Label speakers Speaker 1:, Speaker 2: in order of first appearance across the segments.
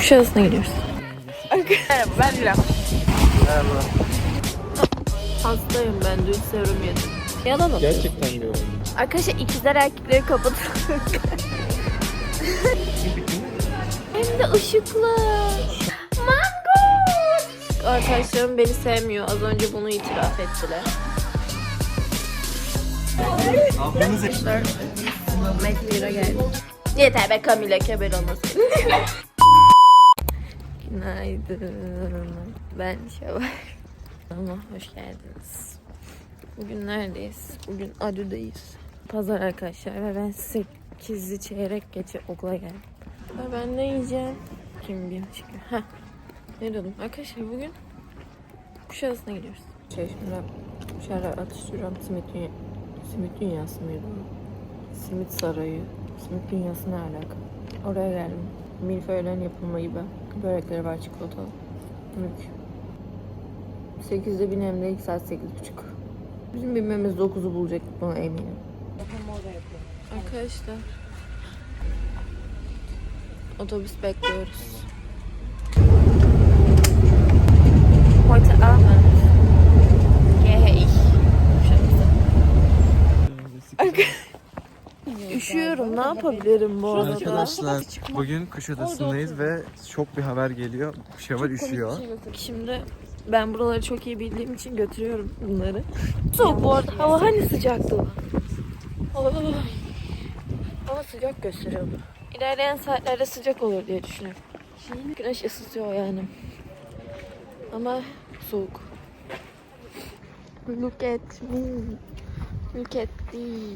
Speaker 1: Kuşadası'na gidiyoruz.
Speaker 2: Merhaba, ben Dilan.
Speaker 3: Merhaba.
Speaker 1: Hastayım ben, dün serum yedim. Yalan atıyor.
Speaker 3: Gerçekten diyorum.
Speaker 1: Arkadaşlar ikizler erkekleri kapatın. Hem de ışıklı. Mango. Arkadaşlarım beni sevmiyor. Az önce bunu itiraf ettiler. Arkadaşlar McLear'a geldik. Yeter be Camila, keber olmasın. Günaydın. Ben Şevval. Ama hoş geldiniz. Bugün neredeyiz? Bugün Adü'deyiz. Pazar arkadaşlar ve ben 8'i çeyrek geçe okula geldim. Ve ben ne yiyeceğim? Kim bilir çünkü. Heh. Ne diyordum? Arkadaşlar bugün Kuşadası'na gidiyoruz. Şimdi şöyle atıştırıyorum. Simit dünyası mıydı? Simit sarayı. Simit dünyası ne alaka? Oraya geldim. Milföylerin yapılma gibi. Börekleri var çikolatalı. Mülk. 8'de binem de ilk saat 8.30. Bizim binmemiz 9'u bulacak, buna eminim. Arkadaşlar otobüs bekliyoruz. Heute Abend gehe ich. Üşüyorum, ne yapabilirim bu arada?
Speaker 3: Arkadaşlar bugün Kuşadası'ndayız ve şok bir haber geliyor. Şevval üşüyor.
Speaker 1: Şimdi ben buraları çok iyi bildiğim için götürüyorum bunları. Soğuk bu arada. Hava hani sıcaktı. Hava sıcak gösteriyordu. İlerleyen saatlerde sıcak olur diye düşünüyorum. Güneş ısıtıyor yani. Ama soğuk. Look at me. Look at this.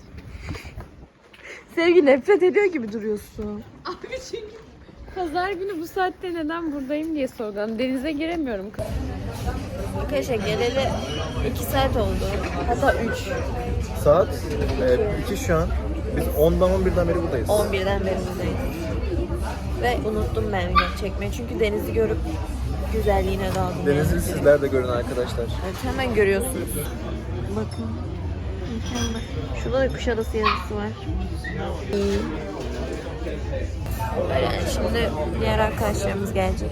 Speaker 1: Sevgi nefret ediyor gibi duruyorsun.
Speaker 2: Abi çünkü pazar günü bu saatte neden buradayım diye sordular. Denize giremiyorum.
Speaker 1: Arkadaşlar geleli 2 saat oldu. Hatta 3.
Speaker 3: Saat 2 şu an. Biz 10'dan 11'den beri buradayız.
Speaker 1: 11'den beri buradayız. Ve unuttum ben video çekmeyi. Çünkü denizi görüp güzelliğine daldım.
Speaker 3: Denizi sizler de görün arkadaşlar.
Speaker 1: Evet, hemen görüyorsunuz. Bakın. Mükemmel. Şurada da Kuşadası yazısı var. İyi. Yani şimdi diğer arkadaşlarımız gelecek.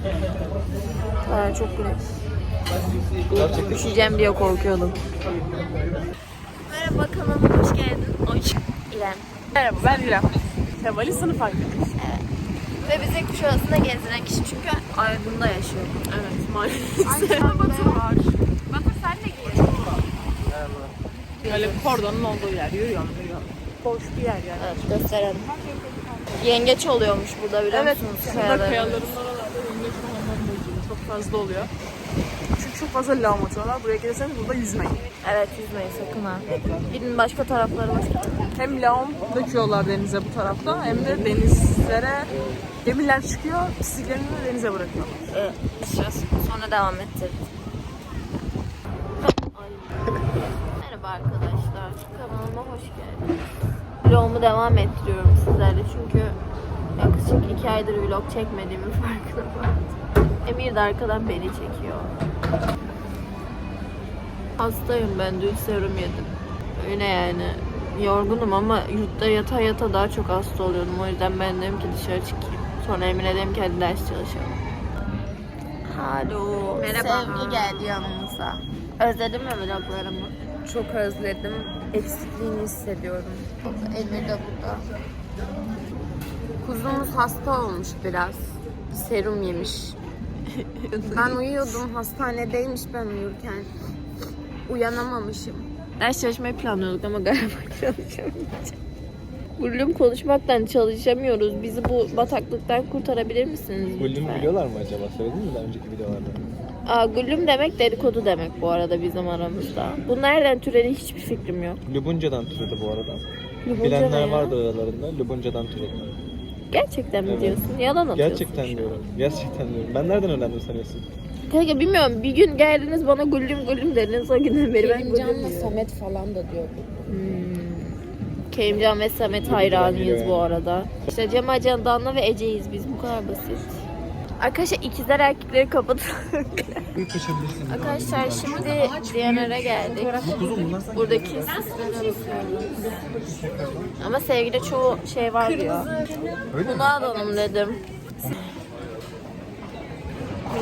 Speaker 1: Çok güzel. Üşüyeceğim diye korkuyordum. Merhaba, kanalıma hoş geldin. İrem.
Speaker 2: Merhaba, ben Dilan. Şevval'in sınıf arkadaşı.
Speaker 1: Evet. Ve bizi Kuşadası'nda gezdiren kişi çünkü Aydın'da yaşıyor.
Speaker 2: Evet, maalesef. Batı var. Batı sen de gel. Böyle kordonun olduğu yer. Yürüyorum. Boş bir yer yani.
Speaker 1: Evet, gösterelim. Yengeç oluyormuş burada, biliyor
Speaker 2: Evet,
Speaker 1: musunuz?
Speaker 2: burada kayaların oralarda yengeç falan bölgesi çok fazla oluyor. Çünkü çok fazla lağım atıyorlar. Buraya gelirseniz burada yüzmeyin.
Speaker 1: Evet, yüzmeyin sakın ha. Gidin başka tarafları var.
Speaker 2: Hem lağım döküyorlar denize bu tarafta hem de denizlere gemiler çıkıyor, pisliklerini de denize bırakıyorlar.
Speaker 1: Evet, sonra devam ettirdik. Merhaba arkadaşlar, kanalıma hoş geldiniz. Vlogumu devam ettiriyorum sizlerle çünkü yaklaşık 2 aydır vlog çekmediğimin farkına vardım. Emir de arkadan beni çekiyor. Hastayım ben, dün serum yedim. Öyle yani. Yorgunum ama yurtta yata yata daha çok hasta oluyordum. O yüzden ben dedim ki dışarı çıkayım. Sonra Emine dedim ki hadi ders çalışalım. Alo.
Speaker 2: Merhaba.
Speaker 1: Sevgi geldi yanımıza. Özledin mi vloglarımı?
Speaker 2: Çok özledim. Eksikliğini hissediyorum.
Speaker 1: Emir de burada.
Speaker 2: Kuzumuz hasta olmuş biraz. Serum yemiş. Ben uyuyordum. Hastanedeymiş ben uyurken. Uyanamamışım.
Speaker 1: Ders çalışmayı planlıyorduk ama galiba çalışamayacağız. Gülüm, konuşmaktan çalışamıyoruz. Bizi bu bataklıktan kurtarabilir misiniz
Speaker 3: Gülüm
Speaker 1: lütfen?
Speaker 3: biliyorlar mı acaba? Söyledin mi daha önceki videolarda?
Speaker 1: Gülüm demek dedikodu demek bu arada bizim aramızda. Bu nereden türedi hiçbir fikrim yok.
Speaker 3: Lubunca'dan türedi bu arada.
Speaker 1: Lubunca
Speaker 3: Bilenler
Speaker 1: ne ya?
Speaker 3: vardı aralarında. Lubunca'dan türedi.
Speaker 1: Gerçekten mi
Speaker 3: Evet.
Speaker 1: diyorsun? Yalan atıyorsun.
Speaker 3: Gerçekten diyorum. Gerçekten diyorum. Ben nereden öğrendim sanıyorsun?
Speaker 1: Kanka bilmiyorum, bir gün geldiniz bana gülüm dediniz, o günden beri ben gülüm
Speaker 2: Kerimcan'la
Speaker 1: diyorum.
Speaker 2: Samet falan da diyordu.
Speaker 1: Kerimcan ve Samet hayranıyız bu arada. İşte Cemal Candan'la ve Ece'yiz biz, bu kadar basit. Arkadaşlar ikizler erkekleri kapatın. Arkadaşlar şimdi Diyanar'a geldik. Buradaki süslere bakıyoruz. Ama sevgide çoğu şey var diyor. Bunu alalım dedim.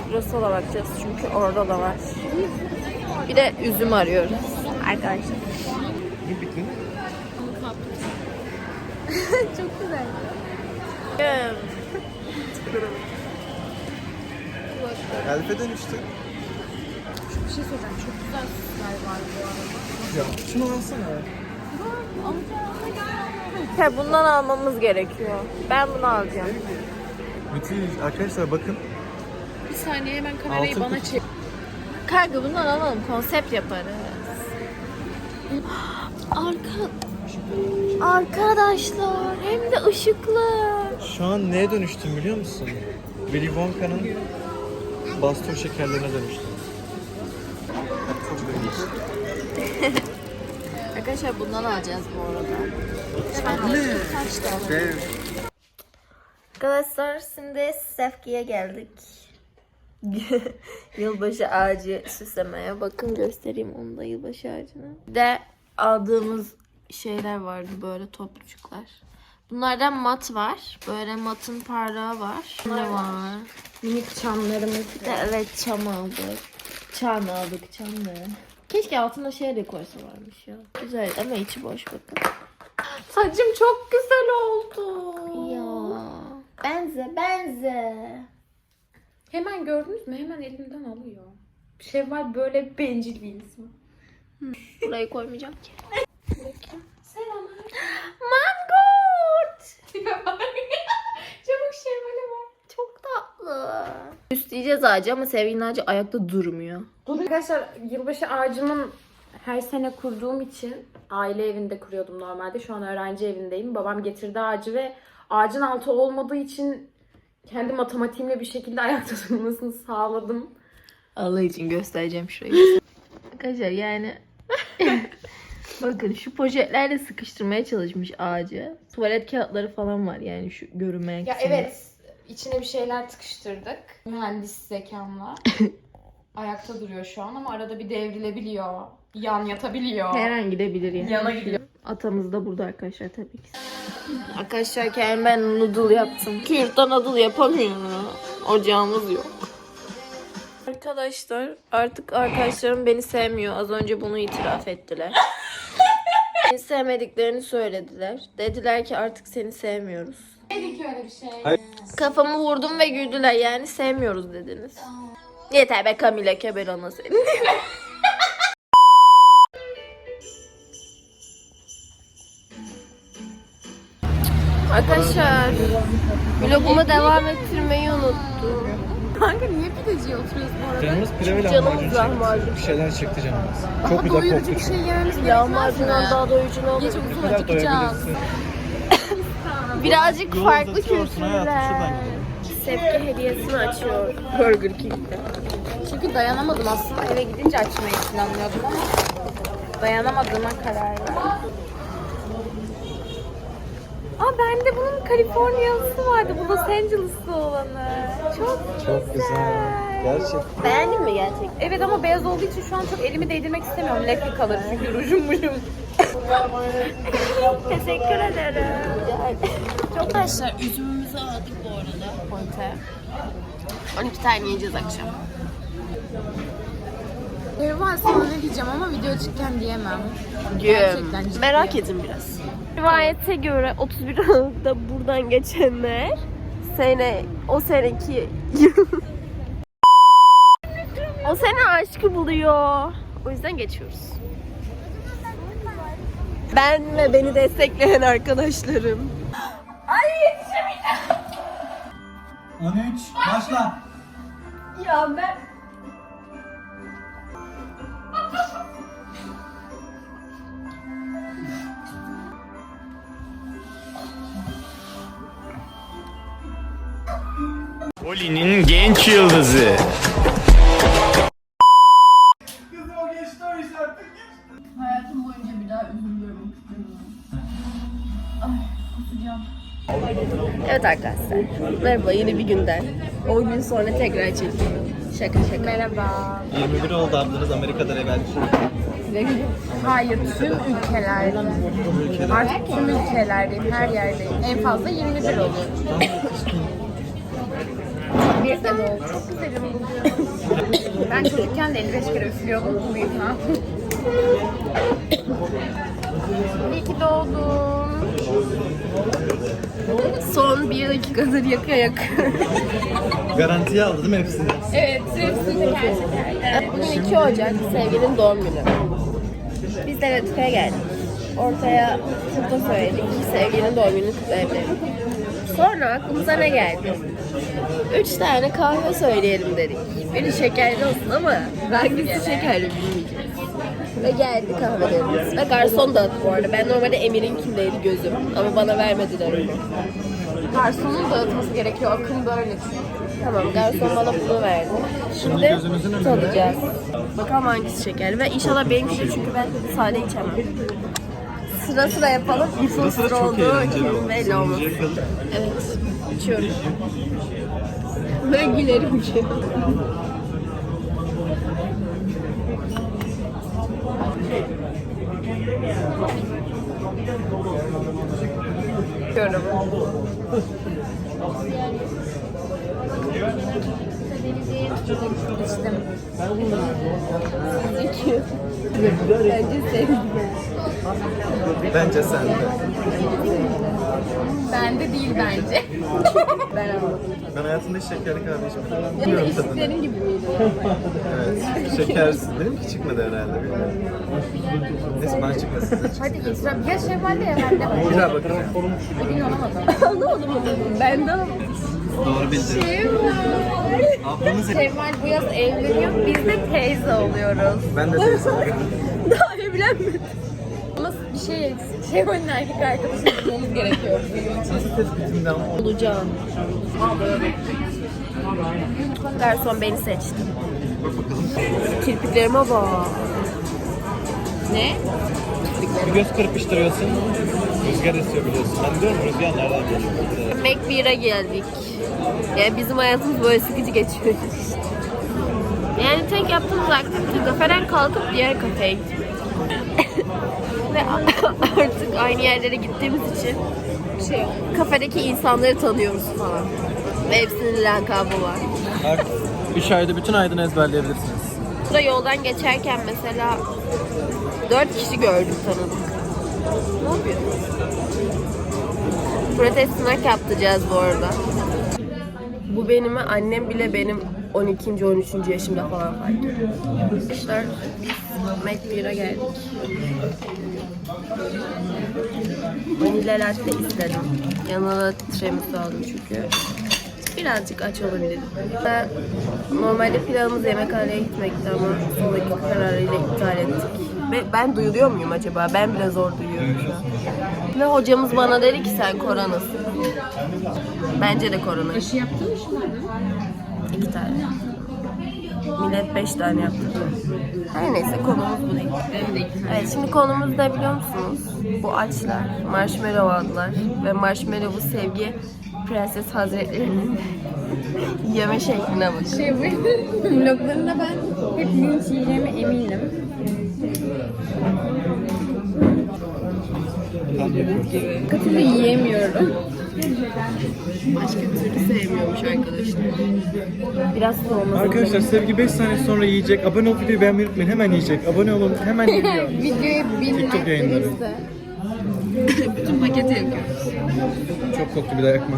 Speaker 1: Churras'a bakacağız çünkü orada da var. Bir de üzüm arıyoruz arkadaşlar.
Speaker 3: Ne bitti?
Speaker 1: Çok güzel.
Speaker 3: Elfe dönüştü.
Speaker 2: Bir şey söyleyeceğim. Çok güzel süsler var bu arada.
Speaker 3: Ya şunu alsana.
Speaker 1: Ya bundan almamız gerekiyor. Ben bunu alacağım.
Speaker 3: Müthiş. Arkadaşlar bakın.
Speaker 2: Bir saniye hemen kamerayı
Speaker 3: Altın
Speaker 2: bana
Speaker 3: kutu.
Speaker 2: çek.
Speaker 1: Kanka bundan alalım. Konsept yaparız. Arkadaşlar hem de ışıklı.
Speaker 3: Şu an neye dönüştüm biliyor musun? Willy Wonka'nın bastır şekerlerine dönüştüm. Çok ilginç.
Speaker 1: Arkadaşlar bundan alacağız bu arada.
Speaker 3: Dev.
Speaker 1: Arkadaşlar şimdi Sefki'ye geldik. Yılbaşı ağacı süslemeye. Bakın göstereyim onu da yılbaşı ağacını. Bir de aldığımız şeyler vardı böyle toplucuklar. Bunlardan mat var. Böyle matın parlağı var. Ne var?
Speaker 2: Minik çamlarımız.
Speaker 1: Bir de evet çam aldık. Çam aldık çamları. Keşke altına şey de koysa varmış ya. Güzel ama içi boş bakın.
Speaker 2: Saçım çok güzel oldu.
Speaker 1: Ya. Benze.
Speaker 2: Hemen gördünüz mü? Hemen elimden alıyor. Şevval böyle bencil bir insan.
Speaker 1: Burayı koymayacağım ki.
Speaker 2: Selam.
Speaker 1: Mangold.
Speaker 2: Çabuk Şevval'e bak.
Speaker 1: Çok tatlı. Süsleyeceğiz ağacı ama Sevginin ağacı ayakta durmuyor.
Speaker 2: Arkadaşlar yılbaşı ağacımın her sene kurduğum için aile evinde kuruyordum normalde. Şu an öğrenci evindeyim. Babam getirdi ağacı ve ağacın altı olmadığı için kendi matematiğimle bir şekilde ayakta durmasını sağladım.
Speaker 1: Allah için göstereceğim şurayı. Arkadaşlar yani bakın şu poşetlerle sıkıştırmaya çalışmış ağacı. Tuvalet kağıtları falan var yani şu görünmeyen
Speaker 2: Ya
Speaker 1: kısımda.
Speaker 2: evet, içine bir şeyler tıkıştırdık. Mühendis zekamla. Ayakta duruyor şu an ama arada bir devrilebiliyor. Yan yatabiliyor.
Speaker 1: Her an gidebilir yani.
Speaker 2: Yana gidiyor.
Speaker 1: Atamız da burada arkadaşlar tabii ki. Arkadaşlar kendim ben noodle yaptım. Yurtta noodle yapamıyorum. Ocağımız yok. Arkadaşlar artık arkadaşlarım beni sevmiyor. Az önce bunu itiraf ettiler. Beni sevmediklerini söylediler. Dediler ki artık seni sevmiyoruz.
Speaker 2: Dedik öyle bir şey.
Speaker 3: Hayır.
Speaker 1: Kafamı vurdum ve güldüler yani sevmiyoruz dediniz. Yeter be Kamile Keber ana seni. Arkadaşlar vlogumu devam ettirmeyi unuttum.
Speaker 2: Kanka niye pideciye oturuyoruz bu arada?
Speaker 3: Canımız pilav ile
Speaker 1: Canımız
Speaker 3: lahmacun
Speaker 1: lahmacun.
Speaker 3: çekti. Bir şeyler çekti canımız. Çok
Speaker 2: Daha
Speaker 3: güzel
Speaker 2: doyurucu
Speaker 3: koktu
Speaker 2: bir şey
Speaker 3: çünkü.
Speaker 2: yememiz gerekmez
Speaker 1: Lahmacundan
Speaker 2: mi?
Speaker 1: daha doyucu ne olur?
Speaker 2: Gece
Speaker 3: Ne
Speaker 2: uzun
Speaker 3: kadar
Speaker 2: acıkacağız.
Speaker 3: doyabilirsin?
Speaker 1: Birazcık
Speaker 3: Yol
Speaker 1: farklı
Speaker 3: uzatıyorsun hayatım,
Speaker 1: kültürler.
Speaker 3: şuradan gidelim.
Speaker 1: Sevgi hediyesini açıyor Burger King'de.
Speaker 2: Çünkü dayanamadım aslında, eve gidince açmayı planlıyordum ama dayanamadığıma karar verdim. Aa bende bunun Kaliforniyalısı vardı. Bu Los Angeles'lı olanı.
Speaker 3: Çok güzel. Gerçekten.
Speaker 1: Beğendin mi gerçekten?
Speaker 2: Evet ama beyaz olduğu için şu an çok elimi değdirmek istemiyorum. Lefli kalır çünkü rujum.
Speaker 1: Teşekkür ederim. Arkadaşlar üzümümüzü aldık bu arada. Ponte. 12 tane yiyeceğiz akşam.
Speaker 2: Var sana ne diyeceğim ama video çıkken diyemem. Gerçekten ciddi.
Speaker 1: Merak edin biraz. Rivayete göre 31 Aralık'ta buradan geçenler o seneki o sene aşkı buluyor. O yüzden geçiyoruz. Ben ve beni destekleyen arkadaşlarım.
Speaker 3: 13. Başla.
Speaker 1: Ya ben
Speaker 4: Oli'nin genç yıldızı.
Speaker 2: Hayatım boyunca bir daha üzüm görmek istemiyorum.
Speaker 1: evet arkadaşlar. Merhaba yeni bir günden. 10 gün sonra tekrar çekiyorum. Şaka şaka.
Speaker 2: Merhaba.
Speaker 3: 21 oldu ablanız Amerika'da evvel.
Speaker 2: Hayır, tüm ülkelerde. Artık tüm ülkelerdeyim, her yerdeyim. En fazla 21 oluyor. Bir de oldu. Çok güzelim bugün. Ben çocukken de 55 kere üflüyordum. Buyum ha. İyi ki doğdum.
Speaker 1: Son 1 dakikadır yakıyor.
Speaker 3: Garantiye aldı değil mi hepsini?
Speaker 2: Evet, hepsini teker teker.
Speaker 1: Bugün 2 Ocak sevgilinin doğum günü. Biz de Latife'ye geldik. Ortaya turta söyledik. Sevgilinin doğum gününü kutlayabiliriz. Sonra aklımıza ne geldi? 3 tane kahve söyleyelim dedik. Biri şekerli olsun ama hangisi şekerli bilmeyeceğiz. Ve geldi kahvelerimiz. Ve garson dağıttı bu arada. Ben normalde Emir'inkindeydi gözüm. Ama bana vermediler onu.
Speaker 2: Garsonun dağıtması gerekiyor. Akım böyle çünkü.
Speaker 1: Tamam, garson bana bunu verdi. Şimdi
Speaker 3: gözünüzün önünde.
Speaker 1: tadacağız. Bakalım hangisi şekerli. Ve inşallah benimkidir çünkü ben sade içemem. Sıra sıra yapalım.
Speaker 3: Sıra sıra çok eğlenceli oldu.
Speaker 1: Belli olmaz.
Speaker 3: Sonucuya kadar.
Speaker 1: Evet. İçiyorum. Böyle gülerim ki.
Speaker 2: Görüyorum. İçtim.
Speaker 1: Bence sevdim.
Speaker 3: Bence sen de.
Speaker 2: Bende değil bence.
Speaker 1: Ben aldım.
Speaker 3: Ben hayatımda hiç şekerli kahve içmedim.
Speaker 1: Ya da
Speaker 3: Bilmiyorum tadını.
Speaker 1: içtiklerin gibi miydi?
Speaker 3: Evet. Şekersiz. Benimki çıkmadı herhalde. Bilmiyorum. Neyse bana çıkmasın. Size çıksın.
Speaker 2: Hadi itiraf. Ya Şevval'de ya bende var.
Speaker 3: Bir daha bakacağım.
Speaker 2: Bugün olamadım.
Speaker 1: Anlamadım onu. Ben de aldım.
Speaker 3: Doğru bildin. Ablamız
Speaker 2: Şevval bu yaz evleniyor. Biz de teyze oluyoruz.
Speaker 3: Ben de teyze oluyorum.
Speaker 1: Daha evlenmedim.
Speaker 2: Ama bir şey eksik. Şevval'in erkek arkadaşını bulmamız gerekiyor bu yıl için.
Speaker 3: Tespitimden
Speaker 1: Olacağım. Garson beni seçti.
Speaker 3: bak bakalım.
Speaker 1: Kirpiklerime bak.
Speaker 2: Ne?
Speaker 3: Bir göz kırpıştırıyorsun. Rüzgar esiyor biliyorsun. Ben diyorum rüzgar nereden geliyor?
Speaker 1: McBeer'a geldik. Yani bizim hayatımız böyle sıkıcı geçiyor. Yani tek yaptığımız aktivite kafeden kalkıp diğer kafeye gitmek. Ve artık aynı yerlere gittiğimiz için
Speaker 2: Şey
Speaker 1: kafedeki insanları tanıyoruz falan. Ve hepsinin lakabı var.
Speaker 3: Bak 3 ayda bütün Aydın'ı ezberleyebilirsiniz.
Speaker 1: Burada yoldan geçerken mesela 4 kişi gördük, tanıdık. Ne yapıyorsun? Protest sınak yaptıracağız bu arada. Bu benim, annem bile benim 12. 13. yaşımda falan fark ediyor. Arkadaşlar biz McBeer'a geldik. Vanilya latte istedim. Yanına da tiramisu aldım çünkü. Birazcık aç olabilirim. Normalde planımız yemekhaneye gitmekti ama son dakika kararıyla iptal ettik. Ve ben duyuluyor muyum acaba? Ben bile zor duyuyorum şu an. Ve hocamız bana dedi ki sen koronasın. Bence de korona.
Speaker 2: aşı yaptın mı şimdi?
Speaker 1: 2 tane. Millet 5 tane yaptı. Her neyse konumuz bu değil. Evet, şimdi konumuz ne biliyor musunuz? Bu açlar, marshmallow aldılar ve marshmallow'u sevgi Prenses Hazretleri'nin yeme şekline bakın.
Speaker 2: Şey bu vloglarında ben hep linç yiyeceğime eminim. Başka türlü yiyemiyorum.
Speaker 1: Başka türlü sevmiyormuş arkadaşlar. Biraz soğuması.
Speaker 3: Arkadaşlar Sevgi 5 saniye sonra yiyecek. Abone olup videoyu beğenmeyi unutmayın. Hemen yiyecek. Abone olun. Hemen geliyor.
Speaker 2: Videoyu
Speaker 3: TikTok yayınları.
Speaker 2: bilmezse
Speaker 1: Bütün paketi yakıyoruz.
Speaker 3: Çok koktu bir daha yakma.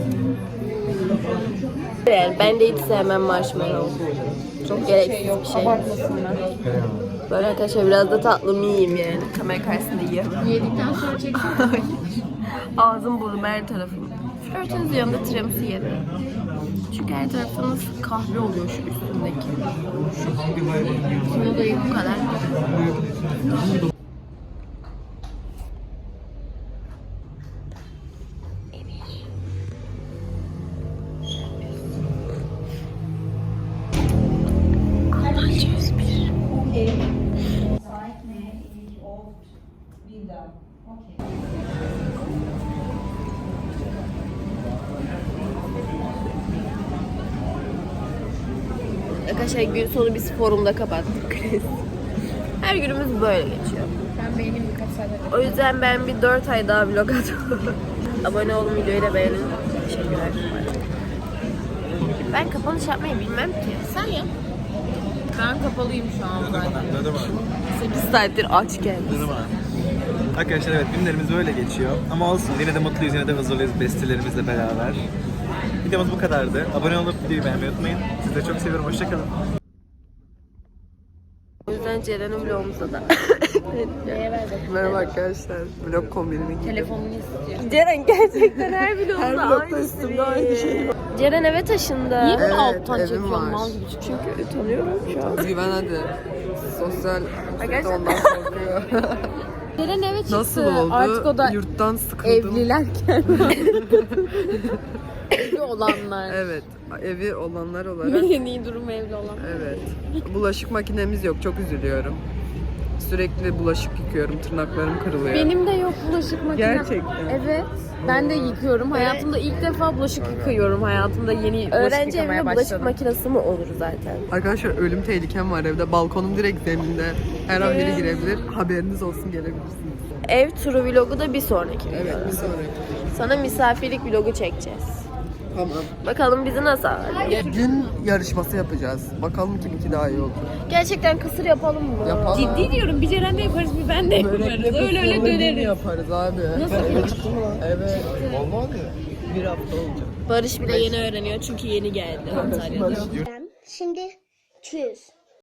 Speaker 1: Yani ben de hiç sevmem marshmallow. Çok gereksiz bir şey.
Speaker 2: abartmasınlar.
Speaker 1: Böyle arkadaşlar biraz da tatlımı yiyeyim yani. Kamera karşısında yiyemem.
Speaker 2: Yedikten sonra çeksin.
Speaker 1: Ağzım burnum her tarafım. Flörtünüz yanında tiramisu yerim. Çünkü her tarafınız kahve oluyor şu üstündeki. Şunu da bu kadar. Arkadaşlar gün sonu biz forumda kapattık. Her günümüz böyle geçiyor.
Speaker 2: Ben beynim birkaç saat önce.
Speaker 1: O yüzden ben bir 4 ay daha vlog atıyorum. Abone olun, videoyu da beğenin. Teşekkürler. Ben kapanış yapmayı bilmem ki. Sen yap.
Speaker 2: Ben kapalıyım şu an zaten.
Speaker 1: 8 saattir aç geldim.
Speaker 3: Arkadaşlar evet günlerimiz böyle geçiyor. Ama olsun yine de mutluyuz, yine de huzurluyuz bestelerimizle beraber. Videomuz bu kadardı. Abone olup videoyu beğenmeyi unutmayın. Sizi de çok seviyorum. Hoşçakalın.
Speaker 1: O yüzden Ceren'in vlogumuza da.
Speaker 5: Merhaba arkadaşlar. Vlog kombinimi giydim.
Speaker 2: Telefonunu istiyor.
Speaker 1: Ceren gerçekten her vlogunda
Speaker 5: Her vlogda üstümde aynı şey var.
Speaker 1: Ceren eve taşındı.
Speaker 2: Niye böyle
Speaker 5: Evet,
Speaker 2: alttan
Speaker 5: evim
Speaker 2: çekiyorsun
Speaker 5: var.
Speaker 2: mal gibi?
Speaker 1: Çünkü tanıyorum şu an.
Speaker 5: Güven hadi. Sosyal
Speaker 1: Arkadaşlar-
Speaker 5: ondan korkuyor.
Speaker 2: Ceren eve çıktı.
Speaker 5: Nasıl oldu?
Speaker 2: Artık o da
Speaker 5: Yurttan sıkıldım.
Speaker 2: evlilerken. Evli olanlar.
Speaker 5: Evet. Evi olanlar olarak.
Speaker 2: En iyi durumu evli olan.
Speaker 5: Evet. Bulaşık makinemiz yok. Çok üzülüyorum. Sürekli bulaşık yıkıyorum. Tırnaklarım kırılıyor.
Speaker 2: Benim de yok bulaşık makinem.
Speaker 5: Gerçekten.
Speaker 2: Evet. Ben de yıkıyorum. Hayatımda ilk defa bulaşık yıkıyorum. Hayatımda yeni bulaşık
Speaker 1: Öğrenci
Speaker 2: yıkamaya
Speaker 1: evinde bulaşık
Speaker 2: başladım.
Speaker 1: makinesi mi olur zaten?
Speaker 5: Arkadaşlar ölüm tehlikem var evde. Balkonum direkt zeminde. Her an biri girebilir. Haberiniz olsun, gelebilirsiniz.
Speaker 1: Ev turu vlogu da bir sonraki.
Speaker 5: Evet, bir sonraki.
Speaker 1: Sana misafirlik vlogu çekeceğiz.
Speaker 5: Tamam.
Speaker 1: Bakalım bizi nasıl ağırlıyor.
Speaker 5: Gün yarışması yapacağız. Bakalım kiminki daha iyi oldu.
Speaker 1: Gerçekten kısır yapalım mı?
Speaker 5: Yapalım.
Speaker 2: Ciddi diyorum. Bir Ceren de yaparız, bir ben de yaparız. Öyle döneriz.
Speaker 5: yaparız abi. Nasıl? Çıktı mı lan? Evet. Olmadı. Bir hafta olacak.
Speaker 1: Barış bile yeni öğreniyor çünkü yeni geldi Antalya'da.
Speaker 6: Şimdi 200.